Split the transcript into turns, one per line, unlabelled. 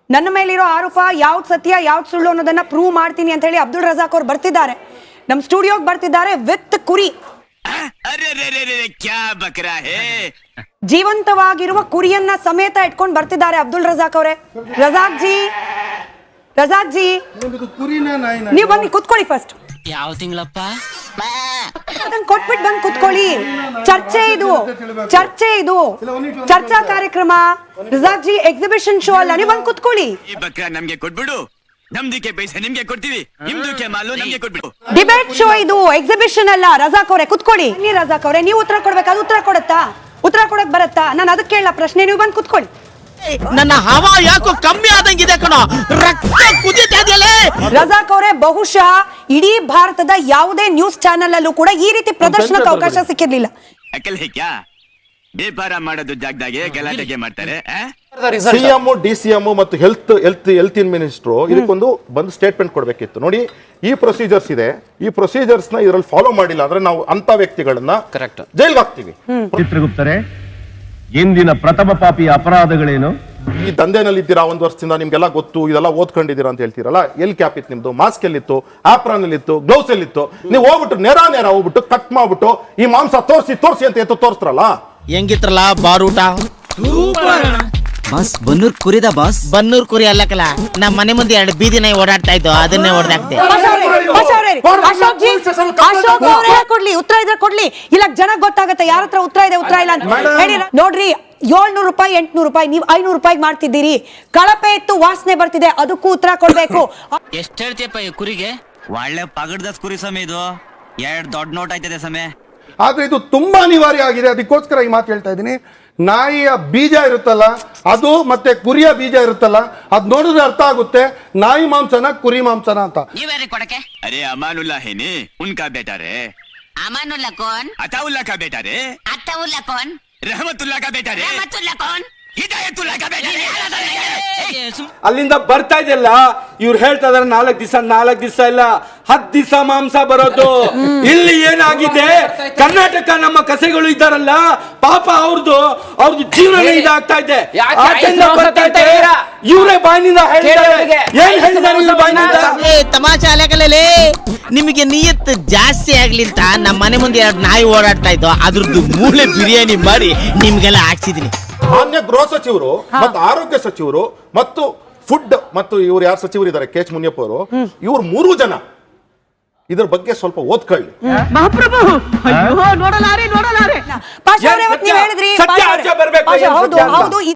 ನನ್ನ ಮೇಲಿರೋ ಆರೋಪ ಯಾವ್ದು ಸತ್ಯ ಯಾವ್ದು ಸುಳ್ಳು ಅನ್ನೋದನ್ನ ಪ್ರೂವ್ ಮಾಡ್ತೀನಿ ಅಂತ ಹೇಳಿ ಅಬ್ದುಲ್ ರಜಾಕ್ ಅವ್ರು ಬರ್ತಿದ್ದಾರೆ, ನಮ್ಮ ಸ್ಟುಡಿಯೋಗೆ ಬರ್ತಿದ್ದಾರೆ ವಿತ್ ಕುರಿ. ಜೀವಂತವಾಗಿರುವ ಕುರಿಯನ್ನ ಸಮೇತ ಇಟ್ಕೊಂಡು ಬರ್ತಿದ್ದಾರೆ ಅಬ್ದುಲ್ ರಜಾಕ್ ಅವರೇ. ರಜಾಕ್ ಜಿ ನೀವು ಬನ್ನಿ ಕುತ್ಕೊಳ್ಳಿ. ಫಸ್ಟ್
ಯಾವ ತಿಂಗಳಪ್ಪ
ಅದನ್ನ ಕೊಟ್ಬಿಟ್ಟು ಬಂದು ಕುತ್ಕೊಳ್ಳಿ. ಚರ್ಚೆ ಇದು ಚರ್ಚಾ ಕಾರ್ಯಕ್ರಮ. ರಜಾಕ್ ಜಿ ಎಕ್ಸಿಬಿಷನ್ ಶೋ ಅಲ್ಲ, ನೀವು ಬಂದು ಕುತ್ಕೊಳ್ಳಿ.
ನಮ್ಗೆ ಕೊಟ್ಬಿಡು, ನಮ್ದಕ್ಕೆ ಪೈಸೆ ನಿಮ್ಗೆ ಕೊಡ್ತೀವಿ, ನಿಮ್ದಕ್ಕೆ ಮಾಲು ನಮ್ಗೆ ಕೊಟ್ಬಿಡು.
ಡಿಬೇಟ್ ಶೋ ಇದು, ಎಕ್ಸಿಬಿಷನ್ ಅಲ್ಲ. ರಜಾಕ್ ಅವರೇ ಕುತ್ಕೊಳ್ಳಿ. ರಜಾಕ್ ಅವರೇ ನೀವು ಉತ್ತರ ಕೊಡ್ಬೇಕಾದ್ರೆ ಉತ್ತರ ಕೊಡತ್ತಾ? ಉತ್ತರ ಕೊಡಕ್ ಬರತ್ತಾ? ನಾನು ಅದಕ್ಕೆ ಕೇಳಲ್ಲ ಪ್ರಶ್ನೆ, ನೀವು ಬಂದು ಕುತ್ಕೊಳ್ಳಿ.
ನನ್ನ ಹವಾ ಯಾಕೋ ಕಮ್ಮಿ ಆದಂಗಿದೆ ಕಣೋ, ರಕ್ತ ಕುದೀತಾ ಇದೆಯಲ್ಲ.
ರಜಾಕ್ ಅವರೇ, ಬಹುಶಃ ಇಡೀ ಭಾರತದ ಯಾವುದೇ ನ್ಯೂಸ್ ಚಾನೆಲ್ ಅಲ್ಲೂ ಕೂಡ ಈ ರೀತಿ ಪ್ರದರ್ಶನಕ್ಕೆ ಅವಕಾಶ ಸಿಕ್ಕಿರ್ಲಿಲ್ಲ.
ವ್ಯಾಪಾರ ಮಾಡೋದು ಜಾಗದಾಗೆ ಗಲಾಟೆಗೆ ಮಾಡ್ತಾರೆ.
ಸಿಎಂ, ಡಿಸಿಎಂ ಮತ್ತು ಹೆಲ್ತ್ ಮಿನಿಸ್ಟ್ರು ಇದಕ್ಕೊಂದು ಬಂದು ಸ್ಟೇಟ್ಮೆಂಟ್ ಕೊಡ್ಬೇಕಿತ್ತು. ನೋಡಿ, ಈ ಪ್ರೊಸೀಜರ್ಸ್ ಇದೆ, ಈ ಪ್ರೊಸೀಜರ್ಸ್ ನ ಇದರಲ್ಲಿ ಫಾಲೋ ಮಾಡಿಲ್ಲ ಅಂದ್ರೆ ನಾವು ಅಂತ ವ್ಯಕ್ತಿಗಳನ್ನ ಜೈಲ್ಗೆ ಹಾಕ್ತೀವಿ.
ಚಿತ್ರಗುಪ್ತರೆ, ಇಂದಿನ ಪ್ರಥಮ ಪಾಪಿ ಅಪರಾಧಗಳೇನು?
ಈ ದಂಧೆನಲ್ಲಿ ಇದ್ದೀರಾ, ಒಂದು ವರ್ಷದಿಂದ ನಿಮ್ಗೆಲ್ಲ ಗೊತ್ತು, ಇದೆಲ್ಲ ಓದ್ಕೊಂಡಿದ್ದೀರಾ ಅಂತ ಹೇಳ್ತೀರಲ್ಲ, ಎಲ್ ಕ್ಯಾಪ್ ಇತ್ತು ನಿಮ್ದು, ಮಾಸ್ಕ್ ಎಲ್ಲಿತ್ತು, ಆಪ್ರಾನ್ ಎಲ್ಲಿತ್ತು, ಗ್ಲೌಸ್ ಎಲ್ಲಿತ್ತು? ನೀವು ಹೋಗ್ಬಿಟ್ಟು ನೇರ ಹೋಗ್ಬಿಟ್ಟು ಕಟ್ ಮಾಡ್ಬಿಟ್ಟು ಈ ಮಾಂಸ ತೋರಿಸಿ ಅಂತ ಎತ್ತು ತೋರಿಸ್ತಾರಲ್ಲ.
ಹೆಂಗಿತ್ರಲ್ಲ ಬಾರೂಟ?
ಬಾಸ್ ಬನ್ನೂರ್ ಕುರಿದ ಬಾಸ್.
ಬನ್ನೂರ್ ಕುರಿ ಅಲ್ಲಕಲ್ಲ, ನಮ್ಮ ಮನೆ ಮುಂದೆ 2 ಬೀದಿ ನಾಯಿ ಓಡಾಡ್ತಾ ಇತ್ತು, ಅದನ್ನೇ ಹೊಡೆದಾಕ್ದೆ.
ಕೊಡ್ಲಿ ಉತ್ತರ ಇದ್ರೆ ಕೊಡ್ಲಿ, ಇಲ್ಲ ಜನ ಗೊತ್ತಾಗತ್ತೆ ಯಾರ ಹತ್ರ ಉತ್ತರ ಇದೆ ಉತ್ತರ ಇಲ್ಲ ಅಂತ ಹೇಳಿ. ನೋಡ್ರಿ, 700 ರೂಪಾಯಿ 800 ರೂಪಾಯಿ, ನೀವು 500 ರೂಪಾಯಿ ಮಾಡ್ತಿದ್ದೀರಿ. ಕಳಪೆ ಇತ್ತು, ವಾಸನೆ ಬರ್ತಿದೆ, ಅದಕ್ಕೂ ಉತ್ತರ ಕೊಡ್ಬೇಕು.
ಎಷ್ಟು ಹೇಳ್ತೀಯಪ್ಪ ಈ ಕುರಿಗೆ?
ಒಳ್ಳೆ ಪಗಡ್ದ ಕುರಿ ಸಮಯ ಇದು, 2 ದೊಡ್ಡ ನೋಟ್ ಆಯ್ತದೆ ಸಮಯ.
ಆದ್ರೆ ಇದು ತುಂಬಾ ಅನಿವಾರ್ಯ ಆಗಿದೆ, ಅದಕ್ಕೋಸ್ಕರ ಈ ಮಾತು ಹೇಳ್ತಾ ಇದ್ದೀನಿ. ನಾಯಿಯ ಬೀಜ ಇರುತ್ತಲ್ಲ ಅದು, ಮತ್ತೆ ಕುರಿಯ ಬೀಜ ಇರುತ್ತಲ್ಲ ಅದ್ ನೋಡಿದ್ರೆ ಅರ್ಥ ಆಗುತ್ತೆ ನಾಯಿ ಮಾಂಸನ ಕುರಿ ಮಾಂಸನ ಅಂತ.
ನೀವ್ಯಾರಿ ಕೊಡಕ್ಕೆ?
ಅರೆ ಅಮಾನುಲ್ಲಾ ಹೇನಿ ಉನ್ಕಾ ಬೇಟಾ ರೇ.
ಅಮಾನುಲ್ಲಾ ಕೌನ್?
ಅತಾವುಲ್ಲಾ ಕಾ ಬೇಟಾ ರೇ.
ಅತ್ತಾವುಲ್ಲಾ ಕೌನ್?
रहमतुल्लाह का बेटा रे.
रहमतुल्लाह कौन?
हिदायतुल्लाह का बेटा रे.
ಅಲ್ಲಿಂದ ಬರ್ತಾ ಇದೆಯಲ್ಲ, ಇವ್ರು ಹೇಳ್ತಾ ಇದಾರೆ 4 ದಿವಸ ಇಲ್ಲ 10 ದಿವಸ ಮಾಂಸ ಬರೋದು. ಇಲ್ಲಿ ಏನಾಗಿದೆ, ಕರ್ನಾಟಕ ನಮ್ಮ ಕಸೆಗಳು ಇದ್ದಾರಲ್ಲ ಪಾಪ, ಅವ್ರದ್ದು ಜೀವನ ಇದಾಗ್ತಾ ಇದೆ. ಇವರೇ ಬಾಯಿನಿಂದ
ತಮಾಷೆ ಅಲೆಕಲೇ. ನಿಮಗೆ ನಿಯತ್ ಜಾಸ್ತಿ ಆಗ್ಲಿ ಅಂತ ನಮ್ಮ ಮನೆ ಮುಂದೆ 2 ನಾಯಿ ಓಡಾಡ್ತಾ ಇದ್ದು, ಅದ್ರದ್ದು ಮೂಳೆ ಬಿರಿಯಾನಿ ಮಾಡಿ ನಿಮ್ಗೆಲ್ಲ ಹಾಕ್ಸಿದೀನಿ.
ಮಾನ್ಯ ಗೃಹ ಸಚಿವರು ಮತ್ತು ಆರೋಗ್ಯ ಸಚಿವರು ಮತ್ತು ಫುಡ್ ಮತ್ತು ಇವ್ರು ಯಾರು ಸಚಿವರು ಇದ್ದಾರೆ, ಕೆ ಎಚ್ ಮುನಿಯಪ್ಪ ಅವರು, ಇವ್ರು 3 ಜನ ಇದ್ರ ಬಗ್ಗೆ ಸ್ವಲ್ಪ ಓದ್ಕೊಳ್ಳಿ.
ಮಹಾಪ್ರಭು ನೋಡಲಾರೆ. ಪಾಷಾ ಅವರೇ, ನೀವು ಹೇಳಿದ್ರಿ, ಹೌದು